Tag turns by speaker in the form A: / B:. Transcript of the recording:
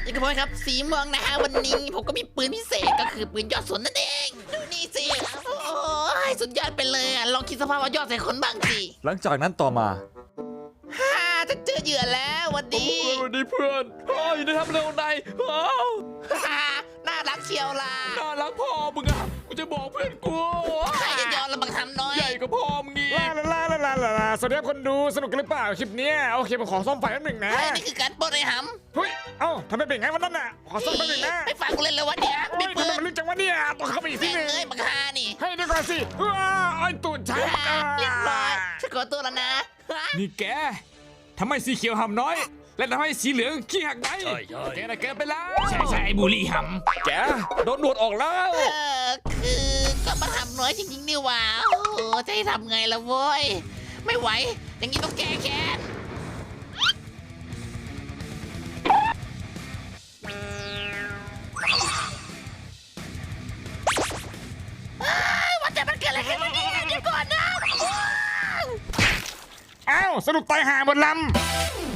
A: ยังกระผมครับสีม่วงนะฮะวันนี้ผมก็มีปืนพิเศษก็คือปืนยอดสนนั่นเองดูนี่สิโอ้ยสุดยอดไปเลยลองคิดสภาพว่ายอดใส่คนบ้างสิ
B: หลังจากนั้นต่อมา
A: ฮ่าจะเจอเหยื่อแล้ววันนี้
B: สวัสดีเพื่อนเฮ้ยได้ทำเร็วในว้าว
A: ฮ่าน่ารักเชียวล่ะ
B: น่ารักพ่อมึงอ่ะกูจะบอกเพื่อนกู
A: ใครจะยอมละบังทำน้อย
B: ใหญ่กว่าพ่อมึงนี่
C: ลาสวัสดีครับคนดูสนุกกันหรือเปล่าคลิปเนี้ยโอเคผมขอซ่อมไฟแป๊บหนึ่งนะ
A: เฮ้ยนี่คือการปล้นไอ้ห
C: เฮ้ยเอ้าทำไมเป็นงั้นวันนั้นน่ะขอซ่อมแป๊บหนึ่งนะ
A: ำไม่ฟังกูเล่นเลยวันนี้
C: โอ้
A: ไม่
C: ย
A: ปื
C: ทำไม
A: น
C: มันลึกจังวะเนี่ยต้องเข้าไปอีกที
A: แม่
C: หนึง
A: เอ้ยบังฮานี่
C: ให้ดีกว่าสิว้าไอ้ตูดฉัน
A: เรียบร้อยฉันขอตัวแล้วนะ
B: นี่แกทำไมสีเขียวหำน้อย และทำให้สีเหลืองขี้หักไงแกน่ะเกินไปแล้ว
D: ใช่บุรีห
B: แกโดนหนวดออกแล้ว
A: คือก็บังทำน้อยจริงๆนี่หว่าโอ้โหจะให้ทำไงล่ะโว้ยไม่ไหวอย่างนี้ต้องแก้แค้นว่าแต่มันเกิดอะไรขึ้นเนี่ยเดี๋ยวก่อนนะ
C: เอ้าสรุปตายห่าหมดลำ